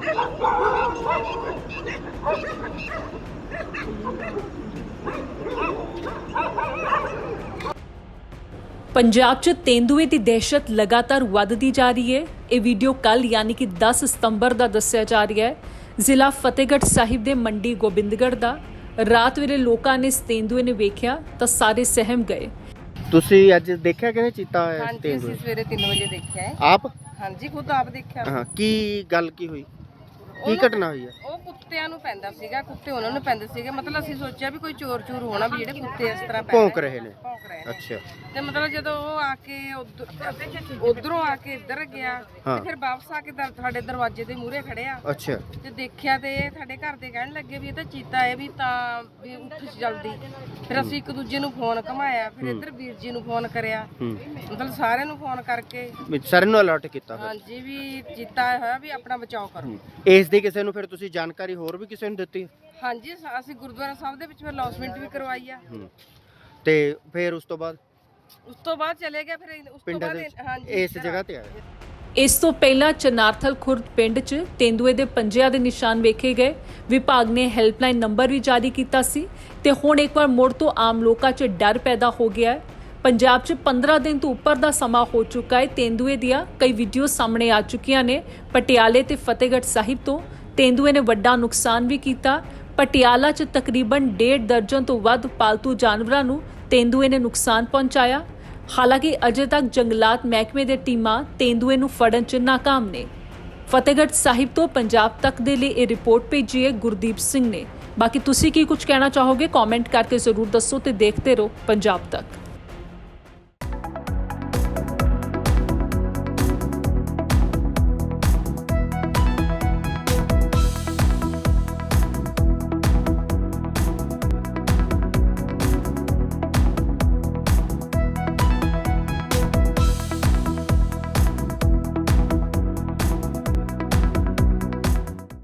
पंजाब च तेंदुए की दहशत लगातार वधदी जा रही है। ये वीडियो कल यानी कि 10 सितंबर का दस्सिया जा रहा है। जिला फतेहगढ़ साहिब के मंडी गोबिंदगढ़ का रात वेले लोगों ने इस तेंदुए ने वेख्या तो सारे सहम गए। ਤੁਸੀਂ ਅੱਜ ਦੇਖਿਆ ਕਿਵੇਂ ਚੀਤਾ ਹੋਇਆ ਹਾਂਜੀ ਤੇਂਦੂਆ? ਅਸੀਂ ਸਵੇਰੇ 3 ਵਜੇ ਦੇਖਿਆ ਹੈ। ਆਪ ਹਾਂਜੀ ਖੁਦ ਆਪ ਦੇਖਿਆ। ਹਾਂ, ਕੀ ਗੱਲ ਕੀ ਹੋਈ, ਕੀ ਘਟਨਾ ਹੋਈ ਹੈ? ਉਹ ਕੁੱਤਿਆਂ ਨੂੰ ਪੈਂਦਾ ਸੀਗਾ, ਕੁੱਤੇ ਉਹਨਾਂ ਨੂੰ ਪੈਂਦੇ ਸੀਗੇ। ਮਤਲਬ ਅਸੀਂ ਸੋਚਿਆ ਵੀ ਕੋਈ ਚੋਰ ਚੂਰ ਹੋਣਾ ਵੀ ਜਿਹੜੇ ਕੁੱਤੇ ਇਸ ਤਰ੍ਹਾਂ ਭੌਂਕ ਰਹੇ ਨੇ। ਭੌਂਕ ਰਹੇ ਨੇ। ਅੱਛਾ, ਤੇ ਮਤਲਬ ਜਦੋਂ ਉਹ ਆ ਕੇ ਉਧਰੋਂ ਆ ਕੇ ਇੱਧਰ ਗਿਆ ਹਾਂ। ਤੇ ਫਿਰ ਵਾਪਸ ਆ ਕੇ ਸਾਡੇ ਦਰਵਾਜ਼ੇ ਦੇ ਮੂਹਰੇ ਖੜਿਆ ਅੱਛਾ, ਤੇ ਦੇਖਿਆ ਤੇ ਇਹ ਸਾਡੇ ਘਰ ਦੇ ਕਹਿਣ ਲੱਗੇ ਵੀ ਇਹ ਤਾਂ ਚੀਤਾ ਹੈ ਵੀ ਤਾਂ ਵੀ ਉੱਠ ਜਲਦੀ। ਫਿਰ ਅਸੀਂ ਇੱਕ ਦੂਜੇ ਨੂੰ ਫੋਨ ਘਮਾਇਆ, ਫਿਰ ਇੱਧਰ ਵੀਰ ਜੀ ਨੂੰ ਫੋਨ ਕਰਿਆ, ਮਤਲਬ ਸਾਰਿਆਂ ਨੂੰ ਫੋਨ ਕਰਕੇ ਸਾਰਿਆਂ ਨੂੰ ਅਲਰਟ ਕੀਤਾ ਫਿਰ? ਹਾਂਜੀ ਵੀ ਚੀਤਾ ਹੋਇਆ ਵੀ ਆਪਣਾ ਬਚਾਓ ਕਰੋ। ਇਸ ਦੀ ਕਿਸੇ ਨੂੰ ਫਿਰ ਤੁਸੀਂ ਜਾਣਕਾਰੀ ਹੋਰ ਵੀ ਕਿਸੇ ਨੂੰ ਦਿੱਤੀ? ਹਾਂਜੀ ਅਸੀਂ ਗੁਰਦੁਆਰਾ ਸਾਹਿਬ ਦੇ ਵਿੱਚ ਫਿਰ ਲੌਸਮੈਂਟ ਵੀ ਕਰਵਾਈ ਆ। ਤੇ ਫਿਰ ਉਸ ਤੋਂ ਬਾਅਦ ਚਲੇ ਗਿਆ। ਫਿਰ ਉਸ ਤੋਂ ਪਿੰਡਾਂ ਬਾਅਦ ਦੇ ਹਾਂਜੀ ਇਸ ਜਗ੍ਹਾ ਤੇ ਆਇਆ। ਇਸ ਤੋਂ ਪਹਿਲਾਂ ਚਨਾਰਥਲ ਖੁਰਦ ਪਿੰਡ 'ਚ ਤੇਂਦੂਏ ਦੇ ਪੰਜਿਆਂ ਦੇ ਨਿਸ਼ਾਨ ਵੇਖੇ ਗਏ। ਵਿਭਾਗ ਨੇ ਹੈਲਪਲਾਈਨ ਨੰਬਰ ਵੀ ਜਾਰੀ ਕੀਤਾ ਸੀ ਤੇ ਹੁਣ ਇੱਕ ਵਾਰ ਮੁੜ ਤੋਂ ਆਮ ਲੋਕਾਂ 'ਚ ਡਰ ਪੈਦਾ ਹੋ ਗਿਆ ਹੈ। ਪੰਜਾਬ 'ਚ 15 ਦਿਨ ਤੋਂ ਉੱਪਰ ਦਾ ਸਮਾਂ ਹੋ ਚੁੱਕਾ ਹੈ। ਤੇਂਦੂਏ ਦੀਆਂ ਕਈ ਵੀਡੀਓ ਸਾਹਮਣੇ ਆ ਚੁੱਕੀਆਂ ਨੇ। ਪਟਿਆਲੇ ਤੇ ਫਤਿਹਗੜ੍ਹ ਸਾਹਿਬ ਤੋਂ ਤੇਂਦੂਏ ਨੇ ਵੱਡਾ ਨੁਕਸਾਨ ਵੀ ਕੀਤਾ। ਪਟਿਆਲਾ 'ਚ ਤਕਰੀਬਨ 1.5 ਦਰਜਨ ਤੋਂ ਵੱਧ ਪਾਲਤੂ ਜਾਨਵਰਾਂ ਨੂੰ ਤੇਂਦੂਏ ਨੇ ਨੁਕਸਾਨ ਪਹੁੰਚਾਇਆ। ਹਾਲਾਂਕਿ ਅਜੇ ਤੱਕ ਜੰਗਲਾਤ ਮਹਿਕਮੇ ਦੇ ਟੀਮਾਂ ਤੇਂਦੂਏ ਨੂੰ ਫੜਨ 'ਚ ਨਾਕਾਮ ਨੇ। ਫਤਿਹਗੜ੍ਹ ਸਾਹਿਬ ਤੋਂ ਪੰਜਾਬ ਤੱਕ ਦੇ ਲਈ ਇਹ ਰਿਪੋਰਟ ਭੇਜੀ ਹੈ ਗੁਰਦੀਪ ਸਿੰਘ ਨੇ। ਬਾਕੀ ਤੁਸੀਂ ਕੀ ਕੁਝ ਕਹਿਣਾ ਚਾਹੋਗੇ ਕਮੈਂਟ ਕਰਕੇ ਜ਼ਰੂਰ ਦੱਸੋ ਤੇ ਦੇਖਦੇ ਰਹੋ ਪੰਜਾਬ ਤੱਕ।